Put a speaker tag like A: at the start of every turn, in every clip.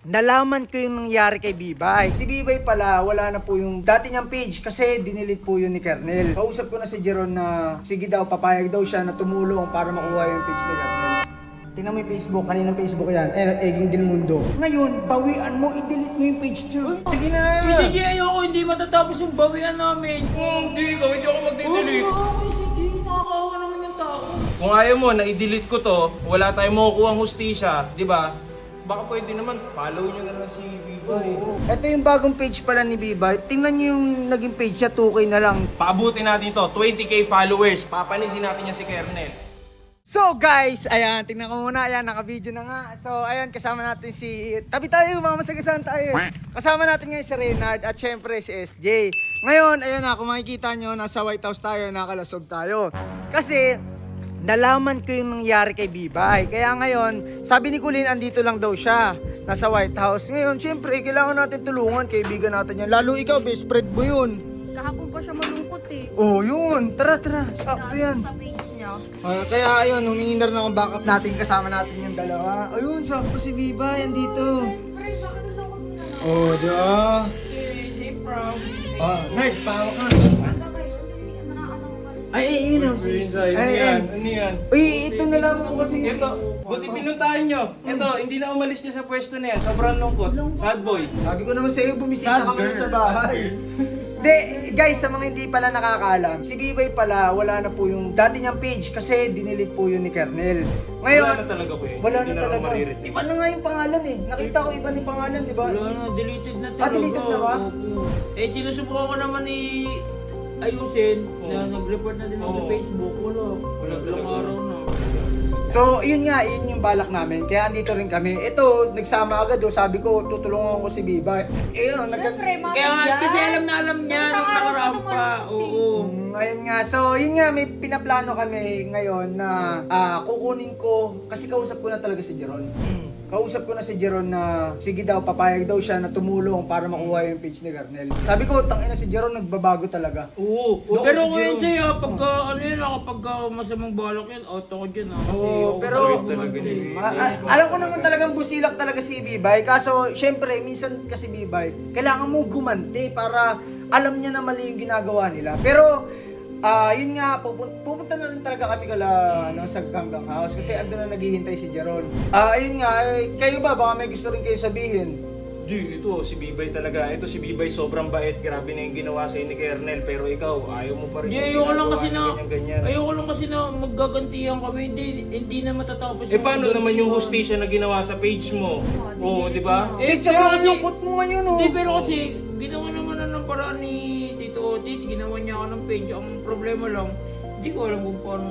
A: nalaman ko yung nangyari kay Bibay. Si Bibay pala, wala na po yung dati niyang page kasi dinilit po yun ni Kernel. Kausap ko na si Jeron na sige daw, papayag daw siya na tumulong para makuha yung page ni Kernel. Tingnan mo yung Facebook, kaninang Facebook yan, Eging Del Mundo. Ngayon, bawian mo, i-delete mo yung page niya.
B: Sige na!
C: Sige, ayoko, hindi matatapos yung bawian namin.
B: Hindi ako magde-delete.
C: Okay, sige, nakakawa naman yung tao.
B: Kung ayaw mo na i-delete ko to, wala tayong makukuha ang hustisya, di ba? Baka pwede naman, follow nyo na lang si Bibay.
A: Ito yung bagong page pala ni Bibay. Tingnan niyo yung naging page niya, 2K na lang.
B: Paabutin natin to, 20k followers. Papanisin natin yan si Kernel.
A: So guys, ayan, tingnan ko muna, ayan, naka-video na nga. So ayan, kasama natin si, tabi tayo, mga masagasaan tayo. Kasama natin ngayon si Reynard at syempre si SJ. Ngayon, ayan na, kung makikita nyo, nasa White House tayo, nakalasog tayo. Kasi, nalaman ko yung nangyari kay Bibay. Kaya ngayon, sabi ni Kulin, andito lang daw siya, nasa White House. Ngayon, syempre, kailangan natin tulungan, kaibigan natin yan. Lalo ikaw, best friend mo yun.
D: Kahapon pa siya malungkot eh.
A: Oh, yun, tara, sakto yan.
D: Sa page niya.
A: Kaya ayun, humingi na rin akong backup natin, kasama natin yung dalawa. Ayun, sakto si Bibay, andito.
D: Pre, bakit nalungkot mo na lang?
A: Oh, diba?
C: Okay, safe from.
A: Oh, Nerd, pawak ka.
D: Hanggang ngayon, hindi nakakatawa ka rin.
A: Ay, yun ang
B: Ano yan? Ano yan?
A: Uy, ito na lang ko kasi.
B: Ito, buti pinuntahan nyo. Ito, hindi na umalis niya sa pwesto na yan. Sobrang lungkot. Sad boy.
A: Sabi ko naman sa'yo, bumisita
C: Sad
A: ka muna
C: girl.
A: sa bahay. Hindi, guys, sa mga hindi pala nakakaalam, si Bibay pala, wala na po yung dati niyang page kasi dinilit po yun ni Kernel. Ngayon,
B: Wala na talaga po yun.
A: Wala
B: Hindi
A: na
B: na ako
A: talaga.
B: mariretrieve.
A: Iba na nga yung pangalan eh. Nakita ko iba yung pangalan, di ba?
C: Wala na, deleted na talaga.
A: Ah, deleted na ba?
C: Opo. Eh, sinusubukan ko naman ayusin na nag-report na din ako sa
B: Oo.
C: Facebook. Wala.
B: Wala
C: Ilang
B: talaga.
C: araw na.
A: So, yun nga, yun yung balak namin. Kaya andito rin kami. Ito, nagsama agad. Sabi ko, tutulungan ko si Bibay. Yun,
D: Siyempre, mga
C: Kaya nga,
D: yan.
C: kasi alam na alam niya
D: Isang
C: nung
D: araw
C: nakaraan
D: pa
C: pa.
D: tumalungkot eh.
C: Oo.
A: Ayun nga, so yun nga, may pinaplano kami ngayon na kukunin ko, kasi kausap ko na talaga si Jeron. Kausap ko na si Jeron na sige daw, papayag daw siya na tumulong para makuha yung page ni Kernel. Sabi ko, tangina si Jeron, nagbabago talaga.
B: Oo.
C: Pero ngayon sa'yo, pagka ano yun, pagka masamang balak yan, auto ko dyan. Kasi
A: Oo,
C: ako
A: pero-
C: talaga
B: Talaga
C: bumante.
B: ni-
A: Alam ko naman talagang busilak talaga si Bibay. Kaso, syempre, minsan kasi Bibay, kailangan mo gumanti para alam niya na mali yung ginagawa nila. Pero, yun nga, pupunta na rin talaga kami sa Ganggang House kasi andun na naghihintay si Jeron. Ayun nga, kayo ba? Baka may gusto rin kayo sabihin.
B: Di, ito si Bibay talaga. Ito si Bibay sobrang bait. Grabe na yung ginawa sa'yo ni Kernel. Pero ikaw, ayaw mo pa rin.
C: Hindi,
B: yung
C: ayoko lang
B: ginagawa
C: kasi na,
B: ganyan.
C: ayoko lang kasi na maggagantihan kami. Hindi na matatapos.
B: Eh paano naman yung
C: gantihan.
B: hustisya na ginawa sa page mo? Oo, di ba?
A: Eh,
C: pero
A: tsaka
C: kasi-
A: ang lungkot mo ngayon, oh.
C: Hindi, pero kasi ginawa naman na ng paraan ni Tito Otis, ginawa niya ako ng page. Ang problema lang, hindi ko alam kung paano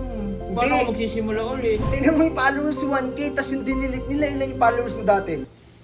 C: ako magsisimula ulit.
A: Tingnan mo yung followers 1K, tas yung dinilit nila, ilan yung followers mo dati?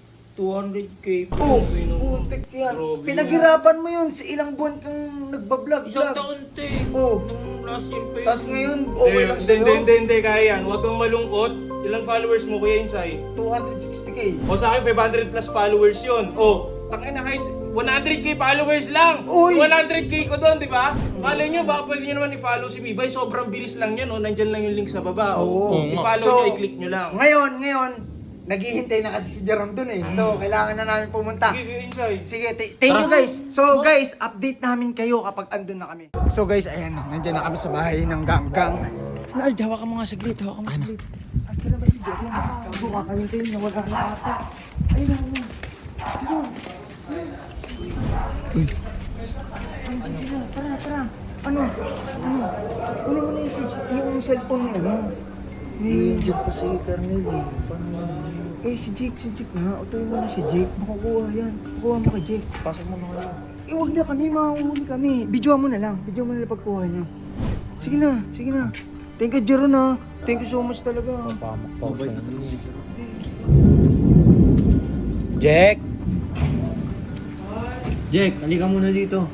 C: 200k.
A: Oh,
C: Grabe naman.
A: putik yan.
B: Grabe
A: Pinaghirapan mo yun, sa ilang buwan kang nagbablog.
C: Isang taon te.
A: Oh.
C: Nung last year pa yun.
A: Tapos ngayon, okay lang sa'yo?
B: Hindi, kaya yan. Huwag kang malungkot. Ilang followers mo, Kuya Insay?
A: 260k.
B: O sa akin, 500 plus followers yun. O, tangin na kahit 100k followers lang.
A: Uy!
B: 100k ko doon, di ba? Malay nyo, baka pwede nyo naman i-follow si Bibay. Sobrang bilis lang yan, o. Nandyan lang yung link sa baba.
A: Oo.
B: I-follow
A: So,
B: nyo, i-click nyo lang.
A: Ngayon, naghihintay na kasi si Jeron dun eh. So, kailangan na namin pumunta.
B: Sige, Kuya Insay.
A: Sige, thank you guys. So guys, update namin kayo kapag andun na kami. So guys, ayan, nandyan na kami sa bahay ng Ganggang. Nard, hawakan mo nga saglit, hawakan mo saglit. Saan na ba si Jeron? Kago, kakayuntin, nawala na ata. Ayun na, ayun. Jeron. Ayun sila, tara. Ano? Kunin mo na yung page, yung cellphone mo, ano? Ni Jake pa si Kernel eh. Paano? Eh, si Jake nga. Utuin mo na si Jake. Makukuha yan. Kukuha mo kay Jake. Pasok mo na kayo. Eh, huwag na kami. Mahuhuli kami. Videoan mo na lang. Videoan mo na lang pagkuha niyo. Sige na. Thank you, Jeron ha. Thank you so much talaga.
E: Jack! Jack, halika muna dito.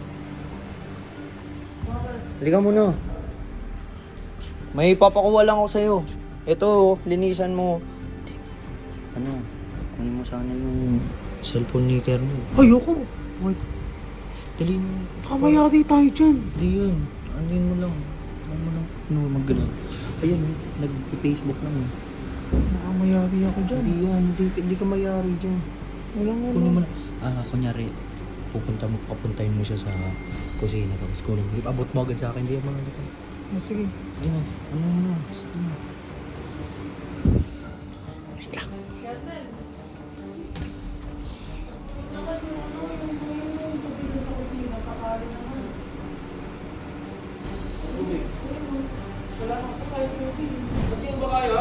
E: Halika muna. May papakuha lang ako sa'yo. Ito, linisan mo. Ano? Kunin mo sana yung cellphone ni Kernel.
A: Ayoko.
E: Wait. Dali mo.
A: Kamayari tayo dyan.
E: Hindi yun. Andin mo lang. Mag-gano'n. Ayan, nag-Facebook lang eh.
A: Nakamayari ako dyan.
E: Hindi yan. Hindi ka mayari dyan. Kunin mo na. Kunyari, papuntahin mo siya sa kusina tapos kunin mo. Abot mo agad sa akin, hindi mo agad.
C: Sige.
E: Sige na, ano mo na. Sige na. Wait lang.
B: Pati ba kaya?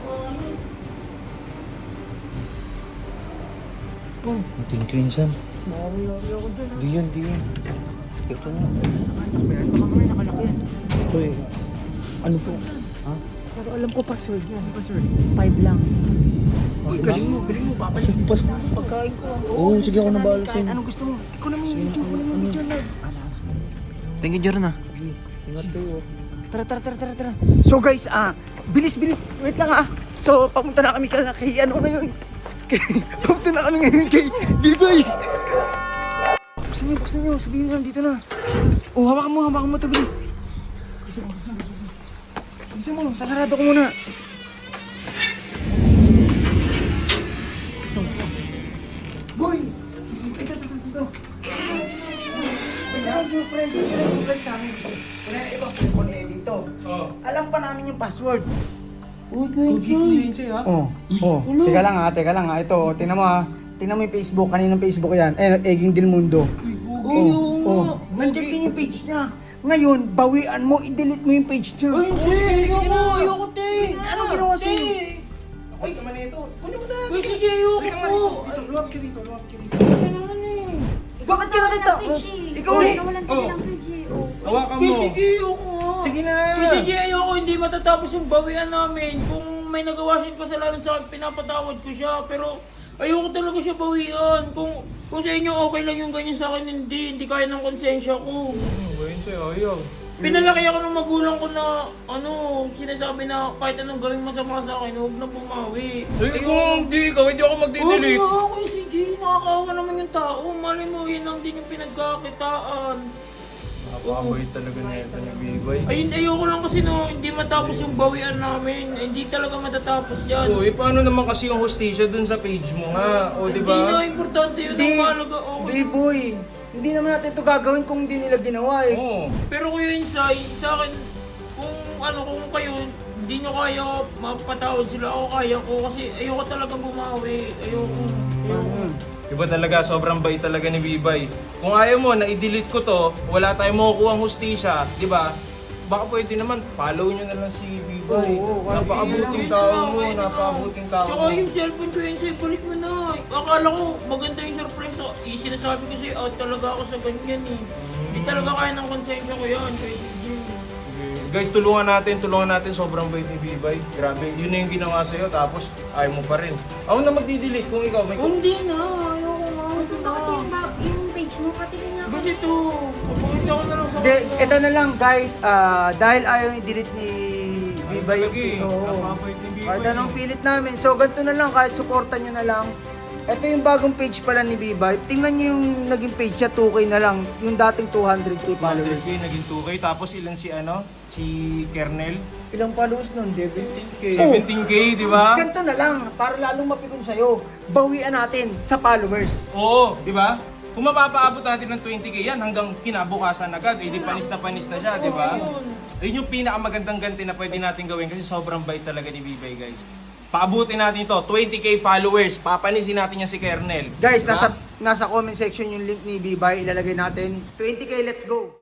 E: Ito yung san. Di yun. Ito na.
A: Baka mamaya nakalaki yan.
E: Ito eh. Ano po? Ha?
C: Pero alam ko password yan.
A: Ano password?
C: 5 lang.
A: Uy, galing mo, babalik dito na.
C: Pagkain ko.
E: Oo, sige ako nabahala
A: Kahit
E: sa'yo.
A: anong gusto mo. Kunin mo yung video, na. Thank you, Jordan
E: Ingat kayo.
A: Tara. So guys, bilis. Wait lang So, papunta na kami kay ano ngayon. Papunta na kami ngayon kay B-Boy. Buksan nyo. Sabihin nyo, dito na. Oh, hawakan mo to, bilis. Buksan mo, sasarado ko muna. Boy! Dito. Ito yung surprise namin. Ito, cellphone ni Eddie to.
B: Oh.
A: Alam pa namin yung password.
C: Uy, Quincy.
B: ha?
A: Oh. Teka lang ha. Ito, tingnan mo ha. Tingnan mo yung Facebook. Kaninong Facebook yan? Eging Del Mundo.
C: Uy, oo nga.
A: Nandiyan din yung page niya. Ngayon, bawian mo, i-delete mo yung page niya.
C: Uy,
B: sige na.
C: ayoko, te.
A: Anong ginawa sa'yo?
B: Ako naman ito. Kunin mo na.
C: Uy, sige, ayoko.
B: Luwag ka dito.
C: Ano naman eh.
A: Bakit ka nakita? Ikaw eh.
D: Nawalan ka ng page eh. Oh.
B: Hawakan
C: Uy,
B: mo.
C: sige, ayoko nga.
B: Sige na.
C: Uy, sige, ayoko. Hindi matatapos yung bawian namin. Kung may nagawa siyang kasalanan sa akin, pinapatawad ko siya. Pero ayoko talaga siya bawian. Kung sa inyo okay lang yung ganyan sa akin, hindi kaya ng konsensya ko.
B: Gawin sa'yo, ayaw.
C: Pinalaki ako ng magulang ko na sinasabi na kahit anong gawing masama sa akin, huwag na bumawi.
B: Eh, kung hindi ikaw, hindi ako magdidelete.
C: Oo, ako si Jay, nakakaawa naman yung tao. Mali mo, yun lang din yung pinagkakitaan.
B: Napakabait talaga na ito ni B-Boy.
C: Ayun, ayoko lang kasi hindi matapos yung bawian namin. Hindi talaga matatapos yan.
B: Oh, paano naman kasi yung hostisya dun sa page mo nga? O, di
C: Hindi na
B: ba?
C: importante yun.
A: Hindi.
C: Ang mahalaga, okay.
A: B-Boy, hindi naman natin ito gagawin kung hindi nila ginawa eh.
B: Oo.
C: Pero Kuya Insay, sa akin, kung kayo, hindi nyo kaya mapatawad sila, ako kaya ko kasi ayoko talaga bumawi. Ayoko.
B: Iba talaga, sobrang bait talaga ni B-Boy. Kung ayaw mo na i-delete ko to, wala tayong makukuha ang hustisya, di ba? Baka pwede naman, follow nyo na lang si B-Boy.
A: Oo,
B: Napakabuting tao mo, napakabuting tao
C: Tsaka
B: mo.
C: yung cellphone ko yun sa'yo, balik mo na. Akala ko maganda yung surprise. Sinasabi ko sa'yo, out talaga ako sa ganyan eh. Hindi talaga kaya ng konsensya ko yan. Kaya sige.
B: Guys, tulungan natin, sobrang bait ni B-Boy. Grabe, yun na yung ginawa sa'yo, tapos ayaw mo pa rin. Ako na magdi-delete kung ikaw may...
C: Hindi na, ayoko nga.
D: Gusto ko kasi yung page mo, pati rin ako.
C: Kasi ito, papakita ko na lang sa
A: Hindi, ito na lang guys, dahil ayaw i-delete ni B-Boy
B: Talaga eh,
A: ito.
B: napakabait ni B-Boy.
A: Kahit anong pilit namin. So, ganito na lang, kahit supportan nyo na lang. Ito yung bagong page pala ni B-Boy. Tingnan nyo yung naging page niya, 2K na lang. Yung dating 200k followers.
B: 100k, naging 2k, tapos ilan si si Kernel?
A: Ilang followers nun, David?
B: 17k, di ba?
A: Ganito na lang, para lalong mapikon sa'yo. Bawian natin sa followers.
B: Oo, di ba? Kung mapapaabot natin ng 20k yan hanggang kinabukasan agad, eh di panis na siya, di ba? Ayun yung pinakamagandang ganti na pwede natin gawin kasi sobrang bait talaga ni B-Boy, guys. Paabutin natin to, 20k followers, papanisin natin niya si Kernel.
A: Guys,
B: Diba?
A: nasa comment section yung link ni B-Boy, ilalagay natin. 20k, let's go!